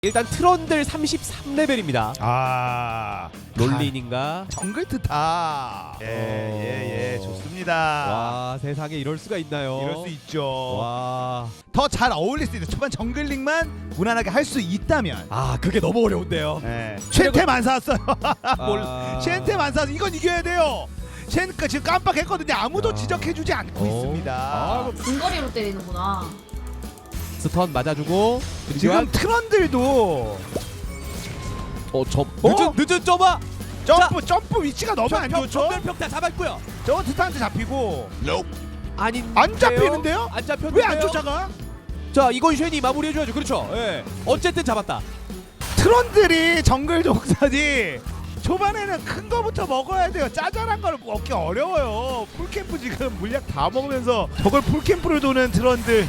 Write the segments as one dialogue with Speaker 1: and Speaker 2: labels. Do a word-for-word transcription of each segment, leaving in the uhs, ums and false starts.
Speaker 1: 일단 트런들 삼십삼 레벨입니다.
Speaker 2: 아
Speaker 1: 롤린인가?
Speaker 2: 정글 트타. 예예예 예, 좋습니다.
Speaker 1: 와 세상에 이럴 수가 있나요?
Speaker 2: 이럴 수 있죠.
Speaker 1: 와.
Speaker 2: 더 잘 어울릴 수 있어. 초반 정글링만 무난하게 할 수 있다면.
Speaker 1: 아 그게 너무 어려운데요.
Speaker 2: 예. 쉔템 샀어요. 뭘
Speaker 1: 아...
Speaker 2: 쉔템 안 사서 이건 이겨야 돼요. 쉔 지금 깜빡했거든요. 아무도
Speaker 1: 야.
Speaker 2: 지적해주지 않고
Speaker 1: 어.
Speaker 2: 있습니다.
Speaker 1: 아, 뭐...
Speaker 3: 근거리로 때리는구나.
Speaker 1: 스턴 맞아주고
Speaker 2: 지금
Speaker 1: 한...
Speaker 2: 트런들도
Speaker 1: 어, 점 늦은
Speaker 2: 어?
Speaker 1: 늦은 점아
Speaker 2: 점프 점프 위치가 너무 안 좋죠.
Speaker 1: 전멸평 다 잡았고요.
Speaker 2: 저거 트타한테 잡히고
Speaker 1: 아닌
Speaker 2: 안 잡히는데요?
Speaker 1: 안 잡혔는데요?
Speaker 2: 왜 안 쫓아가?
Speaker 1: 자 이건 쉔이 마무리해줘야죠. 그렇죠. 예. 어쨌든 잡았다.
Speaker 2: 트런들이 정글 동선이 초반에는 큰 거부터 먹어야 돼요. 짜잘한 걸 먹기 어려워요. 풀캠프 지금 물약 다 먹으면서 저걸 풀캠프를 도는 트런들.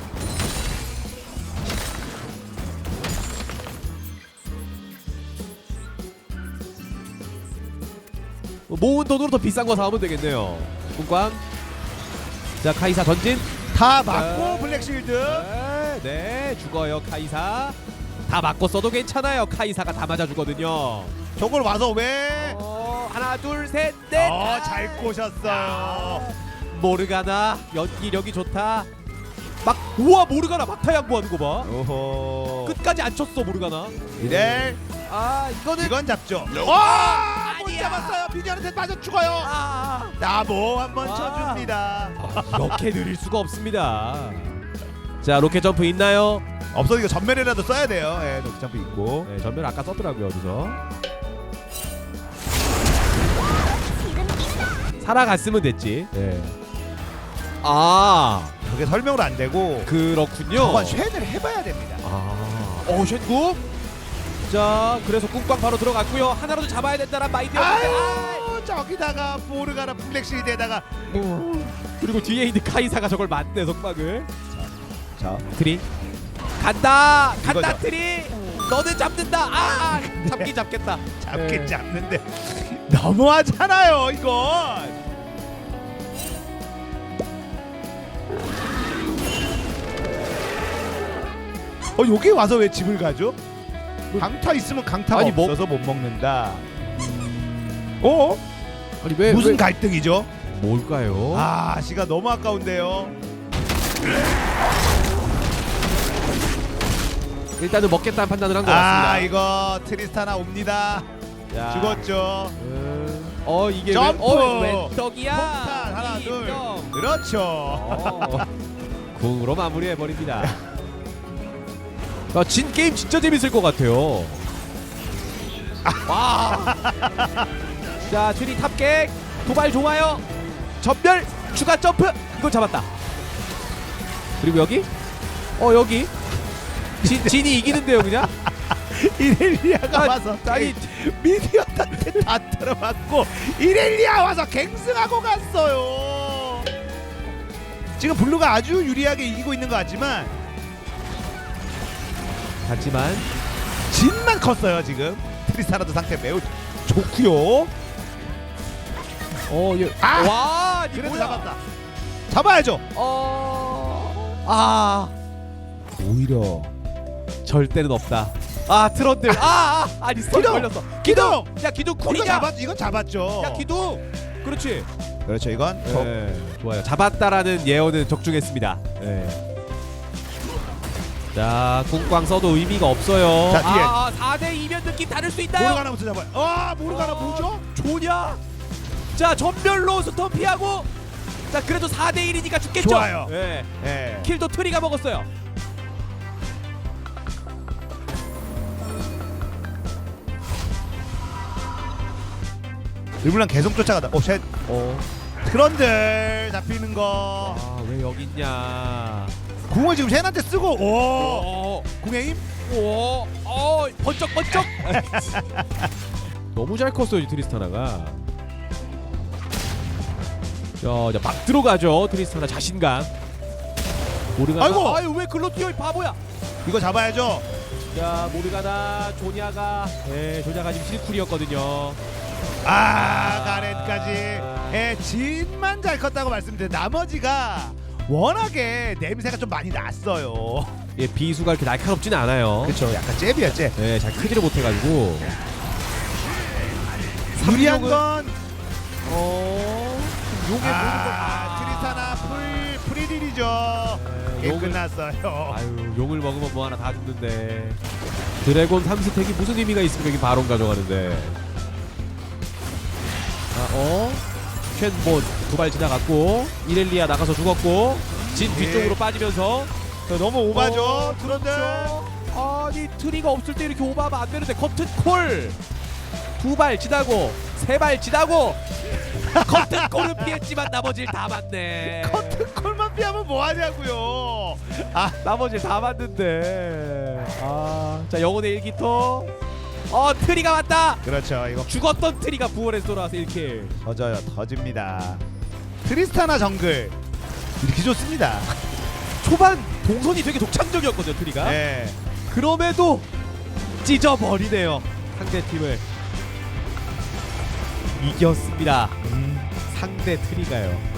Speaker 1: 모은 돈으로 더 비싼 거 사오면 되겠네요. 군광. 자 카이사 던진.
Speaker 2: 다 맞고
Speaker 1: 네.
Speaker 2: 블랙실드.
Speaker 1: 네, 네 죽어요 카이사. 다 맞고 써도 괜찮아요. 카이사가 다 맞아주거든요.
Speaker 2: 저걸 와서 왜?
Speaker 1: 어, 하나 둘 셋 넷.
Speaker 2: 어, 잘 꼬셨어요.
Speaker 1: 모르가나 연기력이 좋다. 막 우와 모르가나 막타 양보하는 거 봐.
Speaker 2: 오호.
Speaker 1: 끝까지 안 쳤어 모르가나.
Speaker 2: 이래.
Speaker 1: 아 이거는
Speaker 2: 이건 잡죠. 와! 못
Speaker 1: 아니야.
Speaker 2: 잡았어요. 비디오한테 빠져 죽어요.
Speaker 1: 아,
Speaker 2: 나보 한번
Speaker 1: 아.
Speaker 2: 쳐줍니다.
Speaker 1: 아, 이렇게 느릴 수가 없습니다. 자 로켓 점프 있나요?
Speaker 2: 없어도 이거 전멸이라도 써야 돼요. 예, 녹 점프 있고.
Speaker 1: 네, 전멸 아까 썼더라고요 어디서. 살아갔으면 됐지. 네. 아
Speaker 2: 그게 설명으로 안 되고
Speaker 1: 그렇군요.
Speaker 2: 저건 쉔을 해봐야 됩니다.
Speaker 1: 아, 어 쉔국. 자 그래서 꿍꽝 바로 들어갔고요. 하나라도 잡아야 된다는 마인드였는데.
Speaker 2: 아유, 저기다가 모르가나 블랙실드에다가
Speaker 1: 그리고 뒤에 있는 카이사가 저걸 맞네 속박을.
Speaker 2: 자
Speaker 1: 트리 간다 간다
Speaker 2: 이거죠.
Speaker 1: 트리. 너는 잡는다. 아 잡기 잡겠다.
Speaker 2: 잡긴
Speaker 1: 네.
Speaker 2: 잡는데 너무하잖아요 이건. 어 여기 와서 왜 집을 가죠? 강타 있으면 강타가
Speaker 1: 아니, 뭐-
Speaker 2: 없어서 못 먹는다. 어?
Speaker 1: 아니 왜
Speaker 2: 무슨
Speaker 1: 왜-
Speaker 2: 갈등이죠?
Speaker 1: 뭘까요?
Speaker 2: 아 시가 너무 아까운데요.
Speaker 1: 일단은 먹겠다는 판단을 한 것 같습니다.
Speaker 2: 아 이거 트리스타나 옵니다.
Speaker 1: 야.
Speaker 2: 죽었죠.
Speaker 1: 음, 어 이게
Speaker 2: 점프!
Speaker 1: 왜, 어, 왜 떡이야?
Speaker 2: 폭탄 하나
Speaker 1: 이
Speaker 2: 둘.
Speaker 1: 떡.
Speaker 2: 그렇죠.
Speaker 1: 어, 궁으로 마무리해 버립니다. 아, 진 게임 진짜 재밌을 것 같아요. 와. 자 트리 탑객 도발 좋아요. 전멸 추가 점프 이거 잡았다. 그리고 여기 어 여기 진 진이 이기는데요 그냥.
Speaker 2: 이렐리아가
Speaker 1: 아,
Speaker 2: 와서
Speaker 1: 아니,
Speaker 2: 미디어한테 다 들어맞고 이렐리아 와서 갱승하고 갔어요. 지금 블루가 아주 유리하게 이기고 있는 것 같지만
Speaker 1: 하지만
Speaker 2: 진만 컸어요 지금. 트리스타나도 상태 매우 좋고요.
Speaker 1: 어 예.
Speaker 2: 아!
Speaker 1: 와
Speaker 2: 그래도
Speaker 1: 뭐야.
Speaker 2: 잡았다. 잡아야죠.
Speaker 1: 어아
Speaker 2: 오히려
Speaker 1: 절대는 없다. 아 트런들 아, 아 아니 스턴
Speaker 2: 기둥!
Speaker 1: 걸렸어.
Speaker 2: 기둥!
Speaker 1: 야 기둥
Speaker 2: 이건
Speaker 1: 쿨이냐?
Speaker 2: 잡았 이건 잡았죠.
Speaker 1: 야 기둥 그렇지.
Speaker 2: 그렇죠 이건 더
Speaker 1: 네, 좋아요. 잡았다라는 예언은 적중했습니다. 네. 자 궁광 써도 의미가 없어요.
Speaker 2: 자, 뒤에.
Speaker 1: 아 사 대 이면 느낌 다를 수 있나요?
Speaker 2: 모르가나부터 잡아요. 아 모르가나
Speaker 1: 어,
Speaker 2: 뭐죠?
Speaker 1: 좋냐? 자 전멸로 스턴 피하고 자 그래도 사 대 일이니까 죽겠죠?
Speaker 2: 좋아요.
Speaker 1: 네.
Speaker 2: 예.
Speaker 1: 킬도 트리가 먹었어요.
Speaker 2: 르블랑 계속 쫓아가다. 오 쉣.
Speaker 1: 어.
Speaker 2: 트런들 잡히는 거.
Speaker 1: 아왜 여기 있냐?
Speaker 2: 궁을 지금 쉔한테 쓰고 오
Speaker 1: 오,
Speaker 2: 궁의 힘.
Speaker 1: 오, 어, 번쩍 번쩍. 너무 잘 컸어요 이 트리스타나가. 자, 이제 막 들어가죠 트리스타나 자신감. 모르가나.
Speaker 2: 아이고!
Speaker 1: 아유 왜 글로 뛰어 이 바보야.
Speaker 2: 이거 잡아야죠.
Speaker 1: 자 모르가나 조냐가, 네 조냐가 지금 실쿨이었거든요.
Speaker 2: 아 가렌까지. 예, 진만 잘 컸다고 말씀드렸는데 나머지가 워낙에 냄새가 좀 많이 났어요.
Speaker 1: 예, 비수가 이렇게 날카롭지는 않아요.
Speaker 2: 그렇죠. 약간 잽이야 잽.
Speaker 1: 예, 잘 크지를 못해가지고.
Speaker 2: 유리한
Speaker 1: 삼룡은-
Speaker 2: 건
Speaker 1: 어 용의
Speaker 2: 아, 트리스타나 풀 프리딜이죠. 게임
Speaker 1: 용을-
Speaker 2: 끝났어요.
Speaker 1: 아유 용을 먹으면 뭐 하나 다 죽는데. 드래곤 삼 스택이 무슨 의미가 있으면 여기 바론 가져가는데. 아, 어? 쉔뭐두 발 지나갔고 이렐리아 나가서 죽었고 진
Speaker 2: 예.
Speaker 1: 뒤쪽으로 빠지면서
Speaker 2: 저 너무 오바죠.
Speaker 1: 어,
Speaker 2: 트런들.
Speaker 1: 그렇죠. 아니 트리가 없을 때 이렇게 오버하면 안 되는데 커튼 콜 두 발 지나고 세 발 지나고 커튼 콜은 피했지만 나머지를 다 맞네.
Speaker 2: 커튼 콜만 피하면 뭐 하냐고요.
Speaker 1: 아 나머지 다 맞는데. 아자 영혼의 일기토. 어 트리가 왔다.
Speaker 2: 그렇죠. 이거
Speaker 1: 죽었던 트리가 부활해서 돌아와서 일 킬.
Speaker 2: 터져요. 터집니다. 트리스타나 정글 이렇게 좋습니다.
Speaker 1: 초반 동선이 되게 독창적이었거든요 트리가.
Speaker 2: 네.
Speaker 1: 그럼에도 찢어버리네요 상대 팀을. 이겼습니다
Speaker 2: 음.
Speaker 1: 상대 트리가요.